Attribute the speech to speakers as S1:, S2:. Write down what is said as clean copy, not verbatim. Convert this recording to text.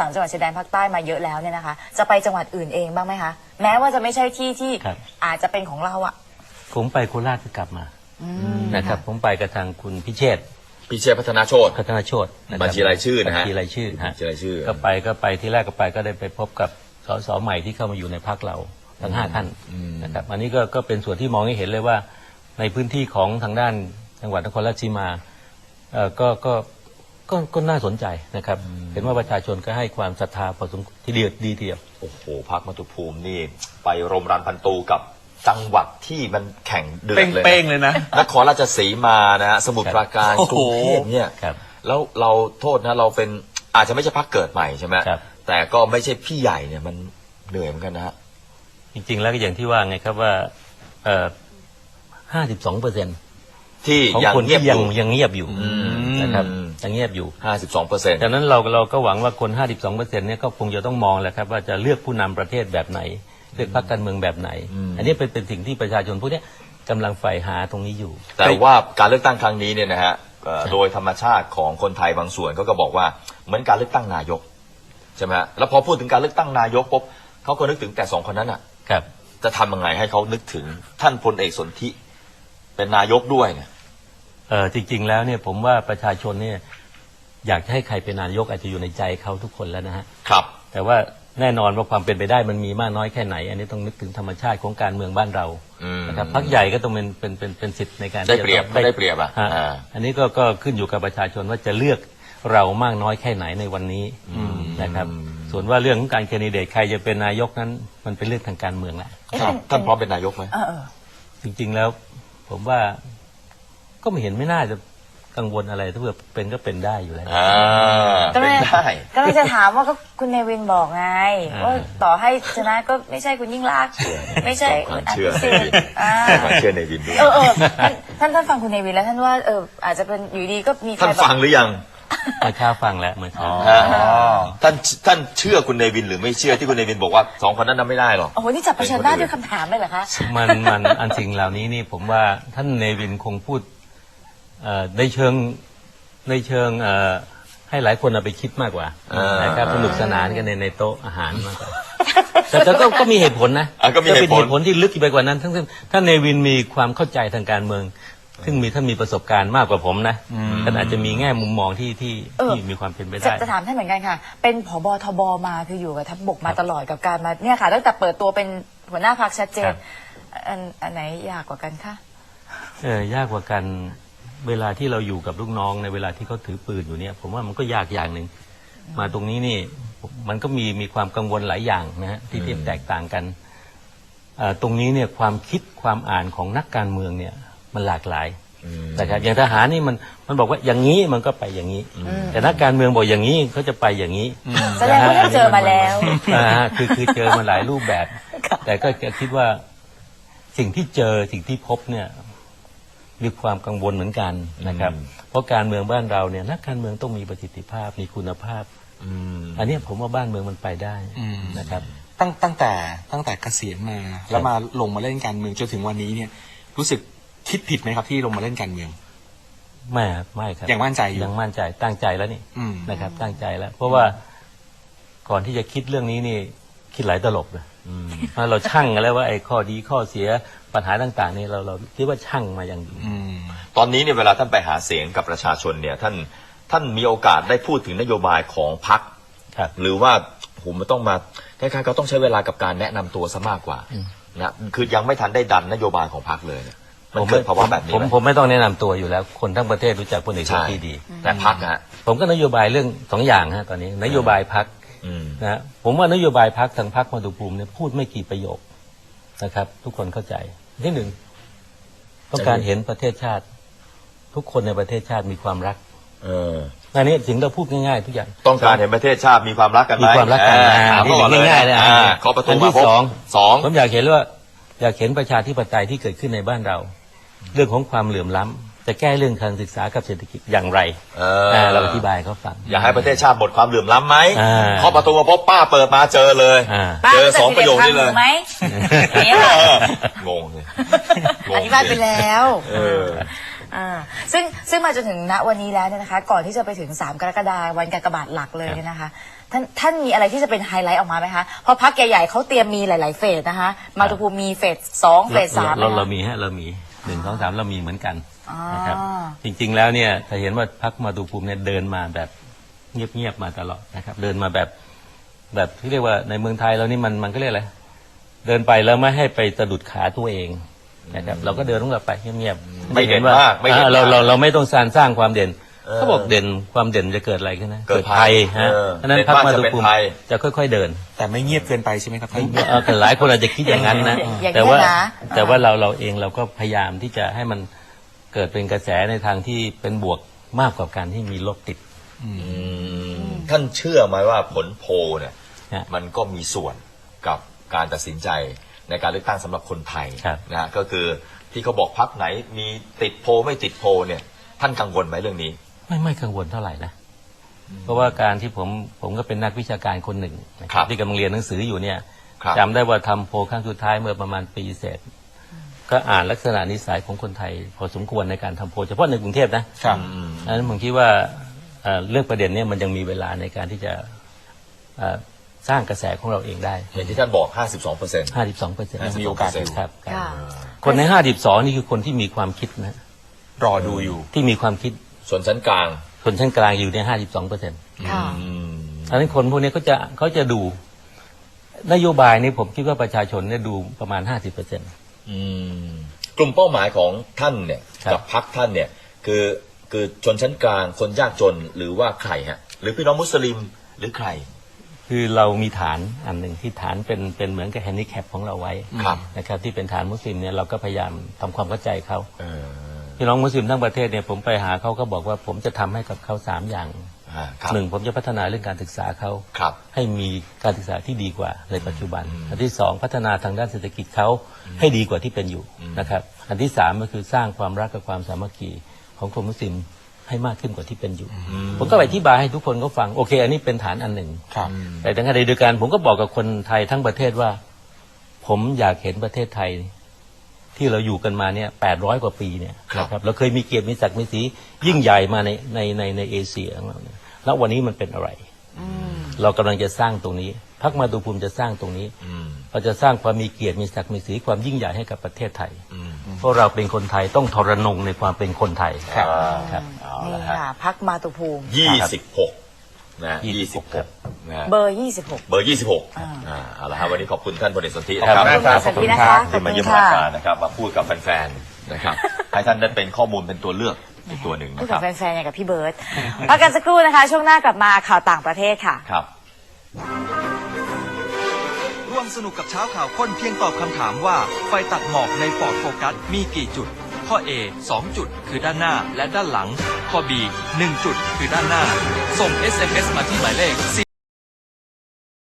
S1: 3 จังหวัดชายแดนภาคใต้มาเยอะแล้วเนี่ยนะคะจะไปจังหวัดอื่นเองบ้างไหมคะแม้ว่าจะไม่ใช่ที่ที่อาจจะเป็นของเราอะ
S2: ผมไปโคราชก็กลับมานะครับผมไปกับทางคุณพิเชษ
S3: พัฒนาโชติบัญชีรายชื่อนะฮะ
S2: บัญชีรายชื่อก็ไปที่แรกก็ไปก็ได้ไปพบกับสสใหม่ที่เข้ามาอยู่ในพรรคเราทั้ง5 ท่านนะครับอันนี้ก็เป็นส่วนที่มองให้เห็นเลยว่าในพื้นที่ของทางด้านจังหวัดนครราชสีมาก็น่าสนใจนะครับเห็นว่าประชาชนก็ให้ความศรัทธาพอสมควรทีเดียวดีทีเดียว
S3: โอ้โหพรรคมาตุภูมินี่ไปรมรันพันตูกับจังหวัดที่มันแข่งเดือดเลยเป้งเลยนะนครราชสีมานะฮะสมุทรปราการกรุงเทพเนี่ยแล้วเราโทษนะเราเป็นอาจจะไม่ใช่พรรคเกิดใหม่ใช่ไหมแต่ก็ไม่ใช่พี่ใหญ่เนี่ยมันเหนื่อยเหมือนกันนะฮะ
S2: จริงๆแล้วก็อย่างที่ว่าไงครับว่า52%
S3: ที่
S2: ของคนที่ยังเงียบอยู่นะครับยังเงียบอยู่
S3: 52%
S2: ดังนั้นเราก็หวังว่าคน52%เนี่ยก็คงจะต้องมองแหละครับว่าจะเลือกผู้นำประเทศแบบไหนเลือกพรรคการเมืองแบบไหนอันนี้เป็นสิ่งที่ประชาชนพวกนี้กำลังใฝ่หาตรงนี้อยู่
S3: แต่ว่าการเลือกตั้งครั้งนี้เนี่ยนะฮะโดยธรรมชาติของคนไทยบางส่วนก็บอกว่าเหมือนการเลือกตั้งนายกใช่ไหมฮะแล้วพอพูดถึงการเลือกตั้งนายกปุ๊บเขาก็นึกถึงแต่2 คนนั้นอ่ะจะทำยังไงให้เขานึกถึงท่านพลเอกสนธิเป็นนายกด้วยเนี่ย
S2: จริงๆแล้วเนี่ยผมว่าประชาชนเนี่ยอยากจะให้ใครเป็นนายกอาจจะอยู่ในใจเขาทุกคนแล้วนะฮะ
S3: ครับ
S2: แต่ว่าแน่นอนว่าความเป็นไปได้มันมีมากน้อยแค่ไหนอันนี้ต้องนึกถึงธรรมชาติของการเมืองบ้านเรานะครับพรรคใหญ่ก็ต้องเป็นสิทธิ์ในการ
S3: ได้เปรียบอ่ะ
S2: อันนี้ก็ขึ้นอยู่กับประชาชนว่าจะเลือกเรามากน้อยแค่ไหนในวันนี้นะครับส่วนว่าเรื่องของการแคนดิเดตใครจะเป็นนายกนั้นมันเป็นเรื่องทางการเมืองแหละ
S3: ท่านพร้อมเป็นนายกไหม
S2: จริงๆแล้วผมว่าก็ไม่น่าจะกังวลอะไรถ้าเกิดเป็นก็เป็นได้อยู่แล้ว
S3: เป็นได้
S1: ก็เลยจะถามว่าก็คุณเนวินบอกไงว่าต่อให้ชนะก็ไม่ใช่คุณยิ่งลักษณ์ไม่ใช่คุณอภิสิทธิ์
S3: เชื่อเนวินด้วย
S1: ท่านฟังคุณเนวินแล้วท่านว่าอาจจะเป็นอยู่ดีก็มี
S3: ท่านฟังหรือยัง
S2: เมื่อเช้าฟังแล้วเมื่อเช้า
S3: ท่านเชื่อคุณเนวินหรือไม่เชื่อที่คุณเนวินบอกว่า2 คนนั้นทำไม่ได้หรอก
S1: โอ้โหนี่จับประชันหน้าด้วยคำถามเลยเหรอคะ
S2: มันอันสิ่งเหล่านี้นี่ผมว่าท่านเนวินคงพูดในเชิงให้หลายคนเอาไปคิดมากกว่านะครับสนุกสนานกันในโต๊ะอาหารมากกว่าแต่ก็มีเหตุผลนะ
S3: ก็เป็นเห
S2: ตุผลที่ลึกไปกว่านั้นทั้งท่านเนวินมีความเข้าใจทางการเมืองซึ่งท่านมีประสบการณ์มากกว่าผมนะท่านอาจจะมีแง่มุมมองที่มีความเป็นไปได้
S1: จะถามท่านเหมือนกันค่ะเป็นผบ.ทบ.มาคืออยู่กับทัพบกมาตลอดกับการมาเนี่ยค่ะตั้งแต่เปิดตัวเป็นหัวหน้าพรรคชัดเจนอันไหนยากกว่ากันคะ
S2: ยากกว่ากันเวลาที่เราอยู่กับลูกน้องในเวลาที่เขาถือปืนอยู่เนี่ยผมว่ามันก็ยากอย่างหนึ่งมาตรงนี้นี่มันก็มีความกังวลหลายอย่างนะฮะที่แตกต่างกันตรงนี้เนี่ยความคิดความอ่านของนักการเมืองเนี่ยมันหลากหลายนะครับอย่างทหารนี่มันบอกว่าอย่างนี้มันก็ไปอย่างนี้แต่นักการเมืองบอกอย่างนี้เขาจะไปอย่างนี้
S1: แสดงว่าเจอมาแล้ว
S2: คือเจอมาหลายรูปแบบแต่ก็คิดว่าสิ่งที่เจอสิ่งที่พบเนี่ยมีความกังวลเหมือนกันนะครับเพราะการเมืองบ้านเราเนี่ยนักการเมืองต้องมีประสิทธิภาพมีคุณภาพอันนี้ผมว่าบ้านเมืองมันไปได้นะครับ
S4: ตั้งแต่เกษียณมาแล้วมาลงมาเล่นการเมืองจนถึงวันนี้เนี่ยรู้สึกคิดผิดไหมครับที่ลงมาเล่นการเมือง
S2: ไม่ครับ
S4: ยังมั่นใจอยู่
S2: ยังมั่นใจตั้งใจแล้วนี่นะครับตั้งใจแล้วเพราะว่าก่อนที่จะคิดเรื่องนี้นี่คิดหลายตลบเลยเราชั่งกันแล้วว่าไอ้ข้อดีข้อเสียปัญหาต่างๆนี่เราคิดว่าชั่งมาอย่างดี
S3: ตอนนี้เนี่ยเวลาท่านไปหาเสียงกับประชาชนเนี่ยท่านมีโอกาสได้พูดถึงนโยบายของพรรคหรือว่าผมมันต้องมาคล้ายๆเขาต้องใช้เวลากับการแนะนำตัวซะมากกว่านะคือยังไม่ทันได้ดันนโยบายของพรรคเลยมันเกิดภาวะแบบนี้
S2: ผมไม่ต้องแนะนำตัวอยู่แล้วคนทั้งประเทศรู้จักพลเอกชาติดี
S3: แต่พรรคฮะ
S2: ผมก็นโยบายเรื่อง2 อย่างฮะตอนนี้นโยบายพรรคนะผมว่านโยบายพรรคทางพรรคมาตุภูมิเนี่ยพูดไม่กี่ประโยคนะครับทุกคนเข้าใจที่1ต้องการเห็นประเทศชาติทุกคนในประเทศชาติมีความรักอันนี้สิ่งเราพูดง่ายๆทุกอย่าง
S3: ต้องการเห็นประเทศชาติมีความรักกันไหม
S2: มีความรักกันง่ายๆเลย
S3: ขอประตูมา
S2: ที่2ผมอยากเห็นว่าอยากเห็นประชาธิปไตยที่เกิดขึ้นในบ้านเราเรื่องของความเหลื่อมล้ำจะแก้เรื่องการศึกษากับเศรษฐกิจอย่างไรเราอธิบายเขาฟัง
S3: อยากให้ประเทศชาติหมดความเหลื่อมล้ำไหมเคาะประตูมาพบป้าเปิดมาเจอเลยเจอ2 ประโยคนี้เลย
S1: งง
S3: เลย
S1: อธิบายไปแล้วซึ่งมาจนถึงณวันนี้แล้วเนี่ยนะคะ ก่อนที่จะไปถึง3กรกฎาคมวันกากบาทหลักเลยเนี่ยนะคะท่านมีอะไรที่จะเป็นไฮไลท์ออกมาไหมคะเพราะพรรคใหญ่ๆเขาเตรียมมีหลายๆเฟสนะคะมาตุภูมิมีเฟส2เฟส3
S2: เรามีเรามี1 2 3เรามีเหมือนกันนะครับจริงๆแล้วเนี่ยถ้าเห็นว่าพรรคมาตุภูมิเนี่ยเดินมาแบบเงียบๆมาตลอดนะครับเดินมาแบบที่เรียกว่าในเมืองไทยเรานี่มันก็เรียกอะไรเดินไปแล้วไม่ให้ไปสะดุดขาตัวเองนะครับเราก็เดินลงไปเงียบๆ
S3: ไม่เด่นมากไม่เด่นมาก
S2: เราไม่ต้องสร้างความเด่นเขาบอกเด่นความเด่นจะเกิดอะไรขึ้นนะ
S3: เกิดภัย
S2: ฮะฉะนั้นพรรคมาตุภูมิจะค่อยๆเดิน
S4: แต่ไม่เงียบเกินไปใช่ไหมครับท่าน
S2: แต่หลายคนอาจจะคิดอย่างนั้นนะ
S1: อย่าง
S2: แต่
S1: นี้
S2: ว่า
S1: นะ
S2: แต่ว่าเราเองเราก็พยายามที่จะให้มันเกิดเป็นกระแสในทางที่เป็นบวกมากกว่าการที่มีลบติด
S3: ท่านเชื่อไหมว่าผลโพลเนี่ย
S2: ฮะ
S3: มันก็มีส่วนกับการตัดสินใจในการเลือกตั้งสำหรับคนไทย
S2: ครับ
S3: นะฮะก็คือที่เขาบอกพรรคไหนมีติดโพลไม่ติดโพลเนี่ย ท่านกังวลไหมเรื่องนี้
S2: ไม่กังวลเท่าไหร่นะเพราะว่าการที่ผมก็เป็นนักวิชาการคนหนึ่งนะค
S3: ครั
S2: รับบ ที่กำลังเรียนหนังสืออยู่เนี่ย
S3: ครับ
S2: จำได้ว่าทำโพลครั้งสุดท้ายเมื่อประมาณปีเศษก็อ่านลักษณะนิสัยของคนไทย พอสมควรในการทำโพลเฉพาะในกรุงเทพนะครับ อันนั้นผมคิดว่าเรื่องประเด็นเนี้มันยังมีเวลาในการที่จะสร้างกระแสของเราเองได้
S3: อย่างที่ท่านบอก 52%
S2: 52%
S3: มีโอกาสอยู่
S2: ครับ
S1: ค่ะ
S2: คนใน52นี่คือคนที่มีความคิดนะ
S4: รอดูอยู่
S2: ที่มีความคิด
S3: ส่วนชั้นกลาง
S2: คนชั้นกลางอยู่ใน52%
S1: ค่ะ
S2: อันนั้นคนพวกนี้เขาจะดูนโยบายนี้ผมคิดว่าประชาชนเนี่ยดูประมาณ 50%
S3: กลุ่มเป้าหมายของท่านเนี่ย
S2: ครับ
S3: กับพรรคท่านเนี่ยคือชนชั้นกลางคนยากจนหรือว่าใครฮะหรือพี่น้องมุสลิมหรือใคร
S2: คือเรามีฐานอันหนึ่งที่ฐานเป็นเหมือนกับแฮนดิแคปของเราไว้
S3: ครับ
S2: นะครับที่เป็นฐานมุสลิมเนี่ยเราก็พยายามทำความเข้าใจเขา
S3: เออ
S2: พี่น้องมุสลิมทั้งประเทศเนี่ยผมไปหาเขาก็บอกว่าผมจะทำให้กับเขา3อย่าง
S3: ครับ
S2: หนึ่งผมจะพัฒนาเรื่องการศึกษาเขา
S3: ครับ
S2: ให้มีการศึกษาที่ดีกว่าในปัจจุบัน อันที่2พัฒนาทางด้านเศรษฐกิจเขาให้ดีกว่าที่เป็นอยู่นะครับอันที่3ก็คือสร้างความรักกับความสามัคคีของคนมุสลิมให้มากขึ้นกว่าที่เป็นอยู่ ผมก็ไปอธิบายให้ทุกคนเขาฟังโอเค อันนี้เป็นฐานอันหนึ่ง
S4: ครับ
S2: แต่ในขณะเดียวกันผมก็บอกกับคนไทยทั้งประเทศว่า ผมอยากเห็นประเทศไทย ที่เราอยู่กันมาเนี่ย800 กว่าปีเนี่ย
S3: ครับ
S2: นะครับเราเคยมีเกียรติมีศักดิ์มีศรียิ่งใหญ่มาในเอเชียของเราเนี่ยแล้ววันนี้มันเป็นอะไร เรากำลังจะสร้างตรงนี้พรรคมาตุภูมิจะสร้างตรงนี้ เราจะสร้างความมีเกียรติมีศักดิ์มีศรีความยิ่งใหญ่ให้กับประเทศไทย เพราะเราเป็นคนไทยต้องทรนงในความเป็นคนไทย
S3: ครับ
S2: ครับ
S3: เอา
S1: นี่
S3: ละฮะ
S1: ค่ะพรรคมาตุภูมิ
S3: 26นะ26นะฮะ
S1: เบอร์ 26
S3: เบอร์ 26เอาละฮะวันนี้ขอบคุณท่านพลเอกสนธิ
S4: ขอบคุณมากครับ
S1: ขอบคุณนะคะ
S3: ที่มาเยี่ยมรายการนะครับมาพูดกับแฟนๆนะครับให้ท่านได้เป็นข้อมูลเป็นตัวเลือกอีกตัวหนึ่ง
S1: พูด
S3: นะค
S1: กั
S3: รั
S1: บบ แฟนๆอย่างกับพี่เบิร์ตพักกันสักครู่นะคะ ช่วงหน้ากลับมาข่าวต่างประเทศค่ะ
S3: ครับ
S5: ร่วมสนุกกับเช้าข่าวค้นเพียงตอบคำถามว่าไฟตัดหมอกใน Ford Focus มีกี่จุด ข้อ A 2 จุดคือด้านหน้าและด้านหลัง ข้อ B 1 จุดคือด้านหน้า ส่ง SMS มาที่หมายเลข